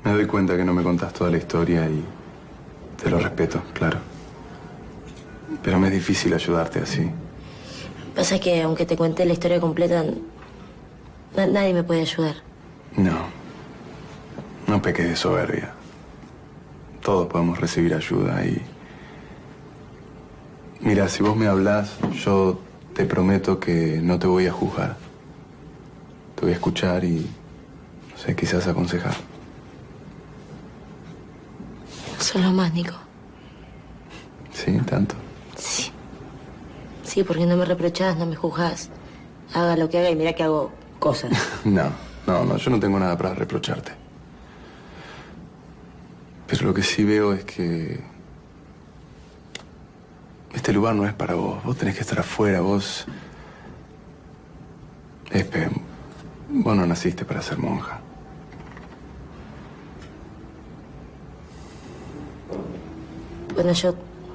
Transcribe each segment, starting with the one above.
Me doy cuenta que no me contás toda la historia y te lo respeto, claro. Pero me es difícil ayudarte así. Pasa que aunque te cuente la historia completa, nadie me puede ayudar. No. No peques de soberbia. Todos podemos recibir ayuda y... Mira, si vos me hablás, yo te prometo que no te voy a juzgar. Te voy a escuchar y, no sé, quizás aconsejar. Solo más, Nico. ¿Sí? ¿Tanto? Sí. Sí, porque no me reprochás, no me juzgás. Haga lo que haga y mira que hago cosas. No, yo no tengo nada para reprocharte. Pero lo que sí veo es que... este lugar no es para vos. Vos tenés que estar afuera, vos... Espe, vos no naciste para ser monja. Bueno, yo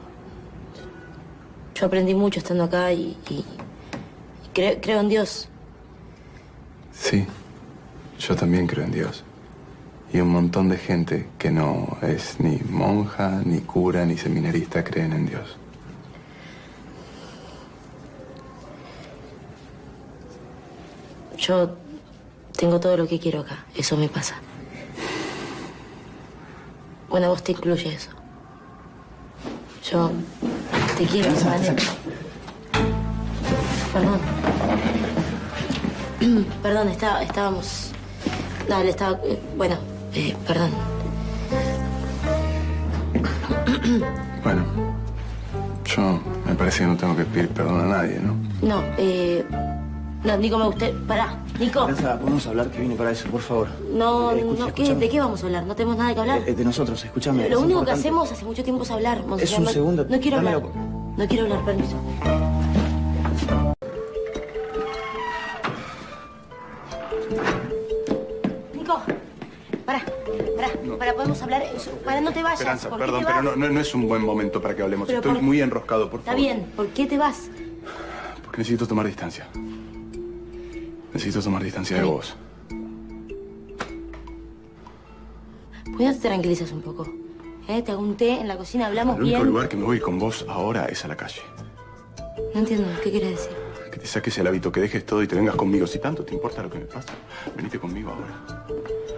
aprendí mucho estando acá y creo en Dios. Sí, yo también creo en Dios. Y un montón de gente que no es ni monja, ni cura, ni seminarista creen en Dios. Yo tengo todo lo que quiero acá. Eso me pasa. Bueno, vos te incluye eso. Yo te quiero, ¿sabes? Perdón. Perdón, estábamos... Dale, estaba... bueno, perdón. Bueno, yo me parece que no tengo que pedir perdón a nadie, ¿no? No, no, Nico, me gusté... Pará, Nico. Esperanza, podemos hablar, que vine para eso, por favor. No, Escúchame. ¿de qué vamos a hablar? No tenemos nada que hablar. De nosotros, escúchame. Lo es único importante. que hacemos hace mucho tiempo es hablar, Monseñor. Es un segundo. No quiero hablar. Dámelo. No quiero hablar, permiso. Nico, para, podemos hablar. Para, no te vayas. Esperanza, ¿Por qué perdón, te vas? pero no es un buen momento para que hablemos. Pero Estoy muy enroscado, por Está favor. bien, ¿por qué te vas? Porque necesito tomar distancia. Necesito tomar distancia de vos. ¿Por qué no te tranquilizas un poco? Te hago un té en la cocina, hablamos El único bien. lugar que me voy con vos ahora es a la calle. No entiendo, ¿qué quieres decir? Que te saques el hábito, que dejes todo y te vengas conmigo. Si tanto te importa lo que me pasa, venite conmigo ahora.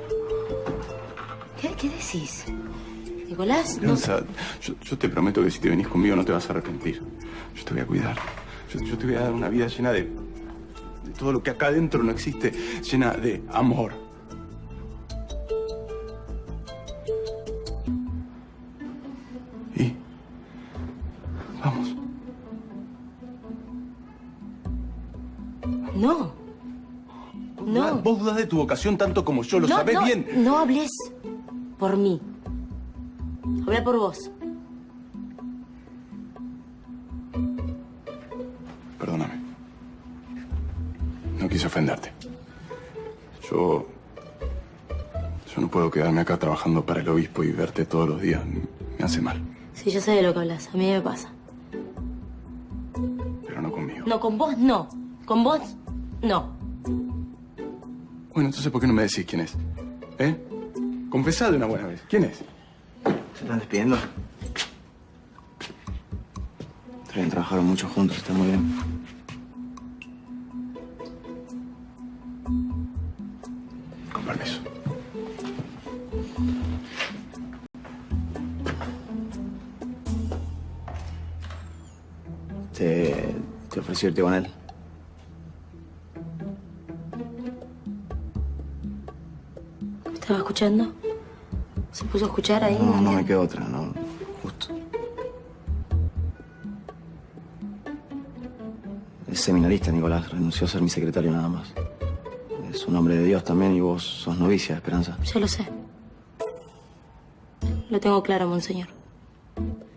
¿Qué decís? Nicolás, Esperanza, yo te prometo que si te venís conmigo no te vas a arrepentir. Yo te voy a cuidar. Yo te voy a dar una vida llena de todo lo que acá adentro no existe, llena de amor. Y vamos. No. No. Vos dudás de tu vocación tanto como yo, lo sabés bien. No hables por mí. Habla por vos. Perdóname. No quise ofenderte. Yo no puedo quedarme acá trabajando para el obispo y verte todos los días. Me hace mal. Sí, yo sé de lo que hablas. A mí me pasa. Pero no conmigo. No, con vos no. Con vos no. Bueno, entonces, ¿por qué no me decís quién es? Confesá de una buena vez. ¿Quién es? ¿Se están despidiendo? También trabajaron mucho juntos, está muy bien. Con permiso. Te ofrecí irte con él. ¿Me estaba escuchando? ¿Se puso a escuchar ahí? No me queda otra, no. Justo. Es seminarista, Nicolás. Renunció a ser mi secretario nada más. Es un hombre de Dios también y vos sos novicia, Esperanza. Ya lo sé. Lo tengo claro, Monseñor.